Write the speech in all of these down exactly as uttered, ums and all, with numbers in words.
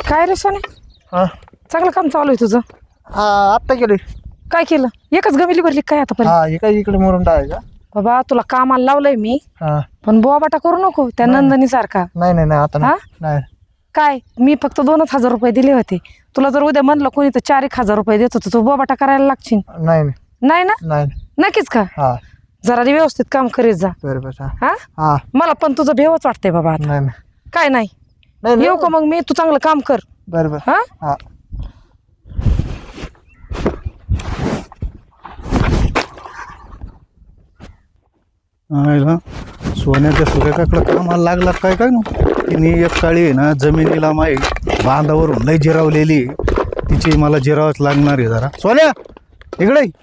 काय रे सोने, हा चांगलं काम चालू आहे तुझं. हा आत्ता गेले. काय केलं? एकच गमिली भरली काय आता पण? हा हे काय इकडे मोरून टाकायचा. बाबा तुला कामाला लावलंय मी, हा पण बोबाटा करू नको त्या नाही. नंदनी सारखा. नाही नाही नाही आता हा? नाही नाही. काय मी फक्त दोनच हजार रुपये दिले होते. तुला जर उद्या म्हणलं कोणी तर चार एक हजार रुपये देत होतं, तू बोबाटा करायला लागशील. नाही नाही नाही ना? नाही. नक्कीच का? हा जरा व्यवस्थित काम करीत जा. बरोबर. हा हा हा मला पण तुझं भेवच वाटतंय बाबा आता. नाही नाही काय नाही नाही येऊ का मग मी? तू चांगलं काम कर. बरोबर. हा हा आयला सोन्याच्या सुरेखाकडे कामाला लागला काय काय ना. तिने एक काळी आहे ना जमिनीला माई बांधावरून लय जिरावलेली आहे. तिची मला जिरावच लागणार आहे जरा. सोन्या इकडे ये.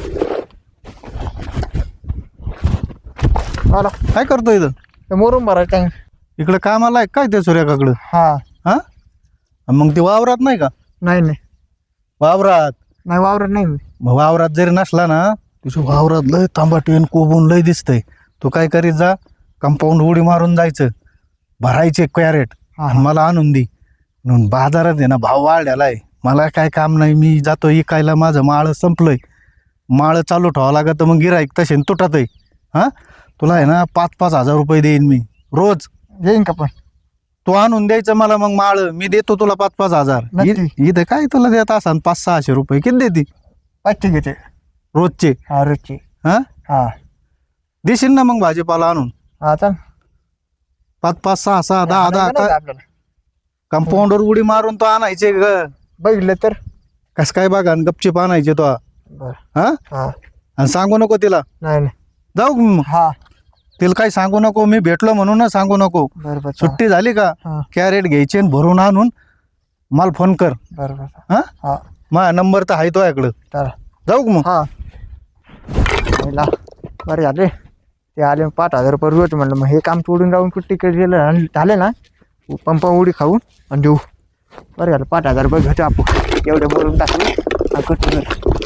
आला काय करतो इथं? ते मोरून भरायचं काय. इकडे कामाला आहे काय त्या सुरेखाकडं? हा हा मग ती वावरात नाही का? नाही नाही वावरात नाही वावरत नाही मी. मग वावरात जरी नसला ना, तुझ्या वावरात लय तांबाटीन कोबून लय दिसतंय. तू काय करीत जा, कंपाऊंड उडी मारून जायचं, भरायचे कॅरेट आणि मला आणून दे. म्हणून बाजारात आहे ना भाव वाढलेला आहे. मला काय काम नाही, मी जातो इकायला. माझं माळं संपलंय, माळं चालू ठेवावं लागत. मग गिराईक तसे तुटत आहे. हां तुला आहे ना पाच पाच हजार रुपये देईन मी रोज. येईन का पण? तू आणून द्यायचं मला मग माळं, मी देतो तुला पाच पाच हजार. नक्की. इ- इथं काय तुला देत असान पाच सहाशे रुपये किती देते पाचशे घेते. रोजचे? हा रोजची. हां हा देशील ना मग भाजीपाला आणून? हा चाल. पाच पाच सहा सहा दहा नाही का दहा आपल्याला कंपाऊंडवर उडी मारून तो आणायचे ग. बघितलं तर. कस काय बघा आणि गपचीप आणायचे तो. बर. हा हा आणि सांगू नको तिला. नाही नाही. जाऊ मग. हा तिला काही सांगू नको, मी भेटलो म्हणून ना सांगू नको. बरोबर. सुट्टी झाली का हा कॅरेट घ्यायचे आणि भरून आणून मला फोन कर. बरोबर. हा हा माझा नंबर तर आहे तो याकडं. चला. जाऊ मग. हा पहिला बरं झाले ते आले पाच हजार रुपये रोज. म्हणलं मग हे काम सोडून राहून कुठे तिकडे गेलं आणि झाले ना पंपा उडी खाऊन आणि देऊ. बरं झालं पाच हजार रुपये घेतो आपण. एवढे बोलून टाकले हा कट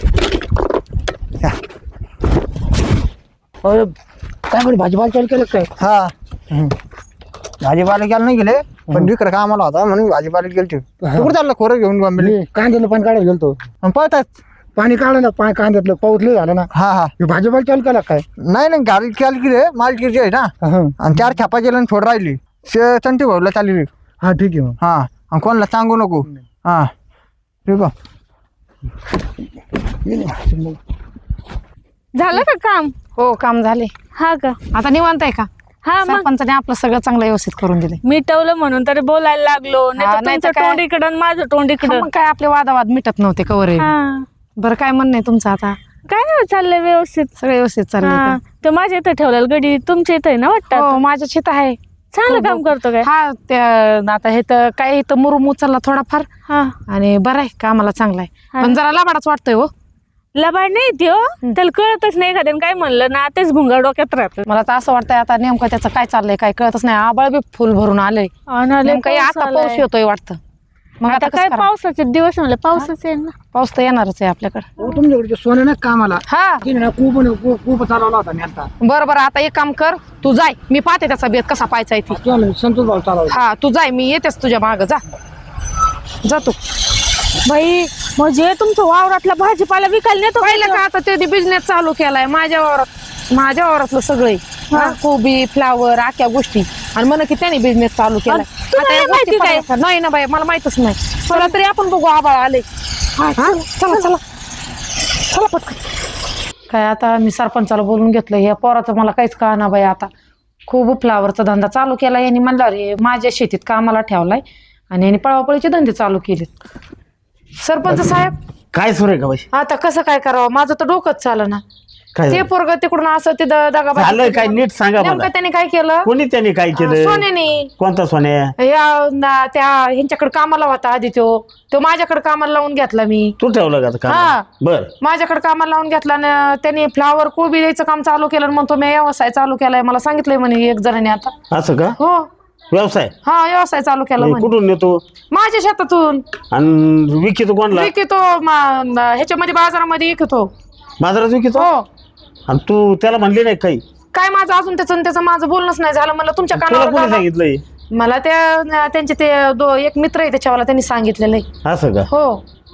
अरे काय म्हणे भाजीपाला चालू केलं काय? हा हम्म. भाजीपाला गेला नाही गेले पण इकडे कामाला होता म्हणून भाजीपाला गेलते. कुठं चाललं खोरं घेऊन बंबली? मी कांद्याला पाणी काढायला गेलतो. पळतात. पाणी काढलं पाणी कांद्यातलं पाऊस लय झालं ना. हा हा हे भाजीपाला चालू केला काय? नाही नाही गाडी केली की रे मालकीची आहे ना. हं. आणि चार खेपा गेलं आणि थोडं राहिली शे चंटी भाऊला चालली. हा ठीक आहे मग. हा आणि कोणाला सांगू नको. हा ठीक आहे. झालं का काम? हो काम झाले. हा का? आता निवांत आहे का? हा मग सरपंचाने आपलं सगळं चांगलं व्यवस्थित करून दिले. मिटवलं म्हणून तरी बोलायला लागलो. नाही हा, तर नाही तर तुमचं काय? तोंड इकडं आणि माझं तोंड इकडं. मग काय आपले वादावाद मिटत नव्हते कवर. हा. बरं काय म्हणणं आहे तुमचं आता? काय नाही चाललंय व्यवस्थित. सगळं व्यवस्थित चाललंय हा. का? तो माझ्या इथं ठेवलेलं गडी तुमच्या इथं आहे ना वाटतं? हो माझ्या शेत आहे. चांगलं काम करतो काय? हा त्या आता हे तर काय इथं मुरुम उचलला थोडाफार हा आणि बरं आहे कामाला चांगला आहे. हा. पण जरा लाबाडाच वाटतोय हो. लबाड नाही त्यो त्याला कळतच नाही. एखाद्याने काय म्हणलं ना तेच भुंगा डोक्यात राहत. मला तर असं वाटतंय आता नेमकं त्याचं काय चाललंय काय कळतच नाही. आबाळ बी फुल भरून आलंय. नेमकं हे आता पाऊस येतोय वाटतं. मग आता आता काय काय पावसाचे दिवस म्हणलं पाऊसच आहे ना. पाऊस तर येणारच आहे आपल्याकडे. हो, तुमच्याकडे सोने ना कामाला हा तिने ना खूप खूप चालवला होता मी आता. बरं बरं आता एक काम कर, तू जाय. मी पाहते त्याचा बेत कसा पाहायचा आहे ती. चालेल, संतोष भाऊ चालवला. हा तू जाय, मी येतेच तुझ्या मागं. जा जा तू. बाई म्हणजे तुमचं वावरातला भाजीपाला विकायला नेतो पाहिलं का आता ते बिझनेस चालू केलाय माझ्या वावरात. माझ्या वावरातलं सगळं हा, कोबी फ्लावर आख्या गोष्टी. आणि म्हण की त्याने बिझनेस चालू केलाय. तुम्हाला आता या माहिती गोष्टी काय? पाहायच्या. नाही ना बाई मला माहितच नाही. चला तरी आपण बघू आबाळ आले. हा, चला चला चला पटकन. काय आता मी सरपंचाला बोलून घेतलं. या पोराचं मला काहीच कळना बाई. आता खूप फ्लावरचा धंदा चालू केला यांनी. म्हणलं रे माझ्या शेतीत कामाला ठेवलाय आणि यांनी पळापळीचे धंदे चालू केलेत. सरपंच साहेब काय सुरेखा बाई? आता कसं काय करावं? माझं तर डोकंच चालं ना. काय ते पोरग तिकडून असं ते दगाबाजी झालं काय? नीट सांगा नेमकं मला. त्याने काय केलं? कोणी त्याने काय केलं? सोन्याने. कोणता सोन्या? या ना- त्या ह्यांच्याकडे कामाला होता आधी तो तो माझ्याकडे कामाला लावून घेतला मी. तू ठेवलं का का? हा. बर. माझ्याकडे कामाला लावून घेतला ना त्याने फ्लावर कोबी द्यायचं काम चालू केलं. म्हणतो मी व्यवसाय चालू केलाय. मला सांगितलंय म्हणे एक जणांनी आता. असं का? हो व्यवसाय? हा व्यवसाय चालू केला म्हणे. कुठून नेतो माझ्या शेतातून आणि विकितो कोणला? विकतो मा- ह्याच्यामध्ये बाजारामध्ये विकतो. बाजारात विकितो? हो. आणि तू त्याला म्हणली नाही काही? काय माझं अजून त्याचं त्याचं माझं बोलणंच नाही झालं. म्हणलं तुमच्या तुला कानावर कोणी घाला. सांगितलंय? मला त्या त्यांचे ते दो एक मित्र आहे त्याच्यावाला त्यांनी सांगितलेलं आहे. असं का? हो.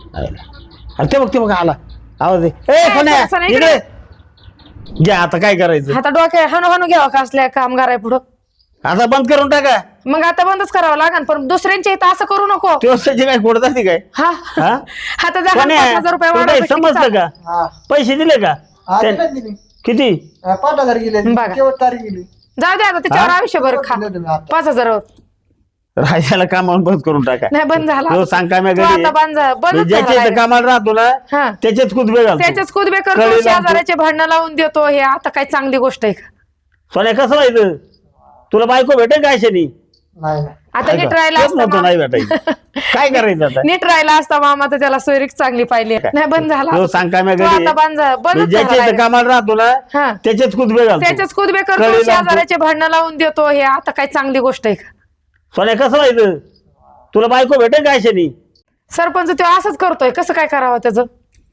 अरे ते बघ ते बघ आला आवाज दे. ए काय सोन्या, सोन्या, इकडे इकडे. घ्या आता काय करायचं? आता डोक्या हाणू हाणू घ्यावा का असल्या कामगार आहे पुढं. आता बंद करून टाका. मग आता बंदच करावं लागेल पण दुसऱ्यांच्या इथं असं करू नको. दिवसाची काय कोड जाते काय? हा हा? आता जर सोन्या, पाच हजार रुपये तुला वाढवलं काही तर किती समजतं चालेल? का? हा पैसे दिले का? हा, त्या- दिलं दिली. किती? हा, पाच हजार गेले बघा. केवळ तारीख गेली. जाऊ दे आता त्याच्यावर आयुष्यभर खा. दिलं तुम्ही आता. पाच हजार राहायला कामावर बंद करून टाका. नाही बंद झाला. तो सांग काय तो आता बंद झा- बंदच ज्याच्या झाला इथं कामाला राहतो ना हा. त्याच्यात कुदबे घालतो. त्याच्याच कुदबे करतो कळी लावतो. शेजाऱ्याचे भांडणं लावून देतो. हे आता काय चांगली गोष्ट आहे का? सोन्या कसं व्हायचं? तुला बायको भेटेल काय शनी? नाही नाही. आता नीट राहिला असता नव्हतं मा- नाही भेटायचं. काय करायचं आता? नीट राहिला असता मामा तर त्याला सोयरीक चांगली पाहिली. नाही बंद झाला. तो सांग काय मी तो घरी आता बंद झा- बंदच ज्याच्या झाला इथं कामाला राहतो ना हा. त्याच्यात कुदबे घालतो. त्याच्याच कुदबे करतो कळी लावतो. शेजाऱ्याचे भांडणं लावून देतो. हे आता काय चांगली गोष्ट आहे का? सोन्या कसं व्हायचं? तुला बायको भेटेल काय शनी? सरपंच तो असंच करतोय. कसं काय करावं त्याचं?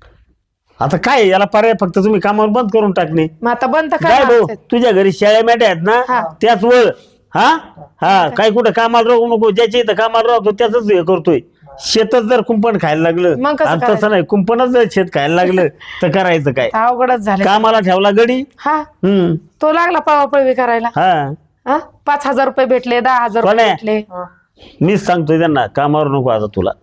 आता काय याला पर्याय फक्त तुम्ही कामावर बंद करून टाकणे. मग आता बंद तर काय भाऊ करावं. तुझ्या घरी शेळ्या मेट्या आहेत हा. ना त्याच वळ. हा हा काय कुठं कामाला राहू नको. ज्याच्या इथं कामाला राहतो त्याच हे करतोय. शेतच जर कुंपण खायला लागलं मग कसं आणि करायचं? तसं नाही कुंपणच जर शेत खायला लागलं तर करायचं काय? अवघडच झालं. कामाला ठेवला गडी. हा हम्म तो लागला पळवापळवी करायला. हा हा पाच हजार रुपये भेटले दहा हजार रुपये कोण्या? भेटले. मीच सांगतोय त्यांना कामावर नको आता तुला.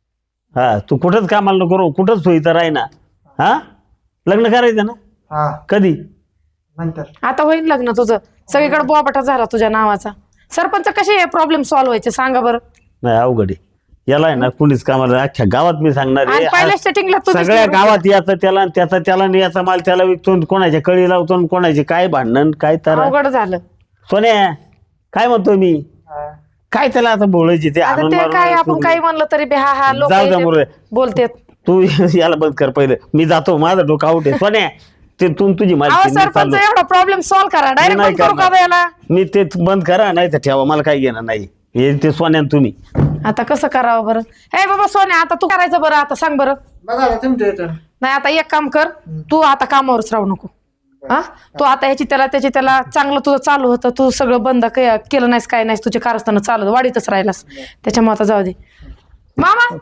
हा तू कुठंच कामाला नको राहू, कुठंच सोयीचं राही ना. हा लग्न करायचं ना? हा कधी? नंतर. आता होईल लग्न तुझं. सगळीकडे बोबाटा झाला तुझ्या नावाचा. सरपंच कसे प्रॉब्लेम सॉल्व्ह व्हायचे सांगा बरं. नाही अवघड आहे. याला आहे ना कुणीच कामाला अख्ख्या गावात मी सांगणार आणि पहिल्या आहे. स्टार्टिंगला तू सगळ्या गावात याचं त्याला आणि त्याचा त्याला आणि याचा माल त्याला विकतो आणि कोणाच्या कळी लावतो आणि कोणाचे काय भांडण काय तर. अवघड झालं. सोन्या काय म्हणतो मी? काय त्याला आता बोलायची ते आता आणून ते मारून काय आपण सोडून. काही म्हणलं तरी बे हा हा लोक जाऊ द्या मुरे. बोलतेत. तू याला बंद कर पहिलं. मी जातो माझं डोकं आउट आहे. सोन्या ते तू तुझी अहो माहिती मी सरपंच चाललो. एवढा प्रॉब्लेम सॉल्व्ह करा. डायरेक्ट नाही बंद करू का करणार. बे याला? मी ते बंद करा नाही तर ठेवा मला काही घेणं नाही. हे ते सोन्यान तुम्ही आता कसं करावं बरं? हे बाबा सोन्या आता तू करायचं बरं. आता सांग बरं. बघा ना तुमच्या इथं. नाही आता एक काम कर. तू आता कामावरच राहू नको. हा तू आता ह्याची त्याला त्याची त्याला चांगलं तुझं चालू होतं. तू सगळं बंद के- केलं नाहीस काय नाहीस. तुझे कारस्थानं चालू होतं, वाढीतच राहिलास. त्याच्यामुळे आता जाऊ दे मामा.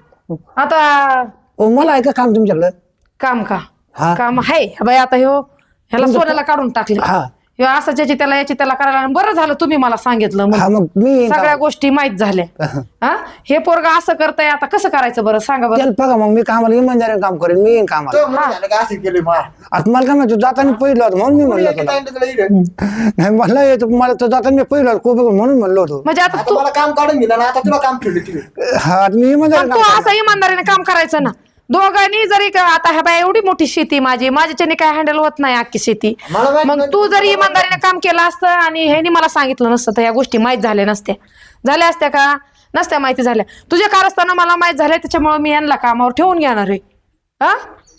आता ओ, मला आहे का काम तुमच्याकडं? काम का? हा. काम आहे बाई. आता ह्यो ह्याला सोन्याला काढून टाकले. हा ह्यो असं ज्याची त्याला याची त्याला करायला. बरं झालं तुम्ही मला सांगितलं. मग हा मग मी येईन सगळ्या काम. गोष्टी माहित झाल्या. हा हे पोरगा असं करताय आता कसं करायचं बरं सांगा बरं. चल बघा मग मी कामाला इमानदारीने काम करेन. मी येईन कामाला. तो म्हणून झालं का असं केलं मा. आता मला काय माहिती जाताना पहिलं होतं म्हणून मी म्हणलं तुला. नाही मला येतो मला तर जाताना मी पहिलं होतं कोबे म्हणून म्हणलो होतो. म्हणजे आता आता तू मला काम काढून दिलं ना आता तुला काम ठेवलं तिकडे. हा आता मी इमानदारीने पण काम तू असं इमानदारीने काम करायचं ना. दोघांनी जरी का- आता ह्या बाय एवढी मोठी शेती माझी माझ्याच्याने काय हँडल होत नाही अख्खी शेती. मला माहित मग नाही. तू जरी इमानदारीने काम केलं असतं आणि ह्यानी मला सांगितलं नसतं तर या गोष्टी माहीत झाल्या नसत्या. झाल्या असत्या का? नसत्या माहिती झाल्या. तुझ्या कारस्थानं मला माहित झाल्या त्याच्यामुळे मी यांना कामावर ठेवून घेणार आहे. हा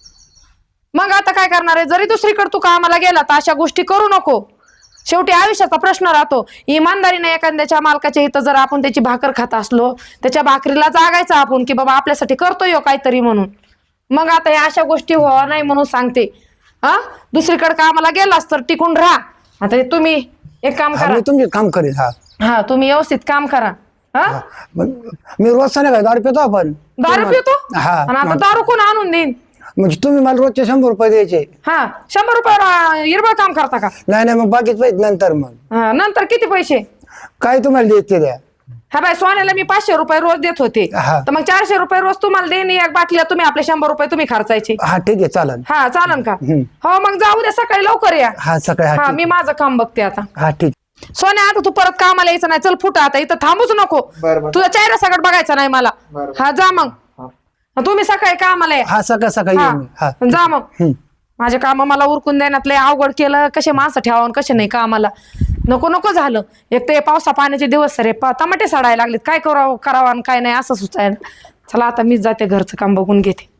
मग आता काय करणार आहे? जरी दुसरीकडे तू कामाला गेला तर अशा गोष्टी करू नको. शेवटी आयुष्याचा प्रश्न राहतो. इमानदारीने एखाद्याच्या मालकाच्या इथं जर आपण त्याची भाकर खात असलो त्याच्या भाकरीला जागायचं आपण की बाबा आपल्यासाठी करतोय हो काहीतरी म्हणून. मग आता या अशा गोष्टी व्हावा नाही म्हणून सांगते. हा दुसरीकडे कामाला गेलास तर टिकून राहा. आता हे तुम्ही एक काम हा, करा. मी तुमचे काम करेन. हा हा तुम्ही व्यवस्थित काम करा. हा मग मी रोज काय दारू पितो आपण. दारू पितो हा. आणि आता दारू कोण आणून देईन? म्हणजे तुम्ही मला रोजचे शंभर रुपये द्यायचे. हा शंभर रुपये हिरबळ काम करता का? नाही नाही मग बाकीच पाहिजे नंतर. मग हा, नंतर किती पैसे? काय तुम्हाला द्यायचे द्या. हा बाय सोन्याला मी पाचशे रुपये रोज देत होते. हा. तर मग चारशे रुपये रोज तुम्हाला देईन. एक बाटल्या तुम्ही आपले शंभर रुपये तुम्ही खर्चायचे. हा ठीक आहे चालेल. हा चालन का? हम्म. हो मग जाऊ द्या सकाळी लवकर या. हा सकाळी. हा हा ठीक. मी माझं काम बघते आता. हा ठीक. सोन्या आता तू परत कामाला यायचं नाही. चल फुटा आता इथं थांबूच नको. बरं, बरं. तुझा चेहरा सगळं बघायचा नाही मला. बरं. हा जा मग. तुम्ही सकाळी कामाला या. हा सकाळ सकाळी येईन मी. हा हा जा मग. हम्म. माझे काम मला उरकून देण्यात लय अवघड केलं. कसे माणसं ठेवा कसे नाही कामाला. नको नको झालं. एक तर पावसा पाण्याचे दिवस रे टमाटे सडायला लागलेत. काय करावं करावं आणि काय नाही असं सुचायला. चला आता मीच जाते घरचं काम बघून घेते.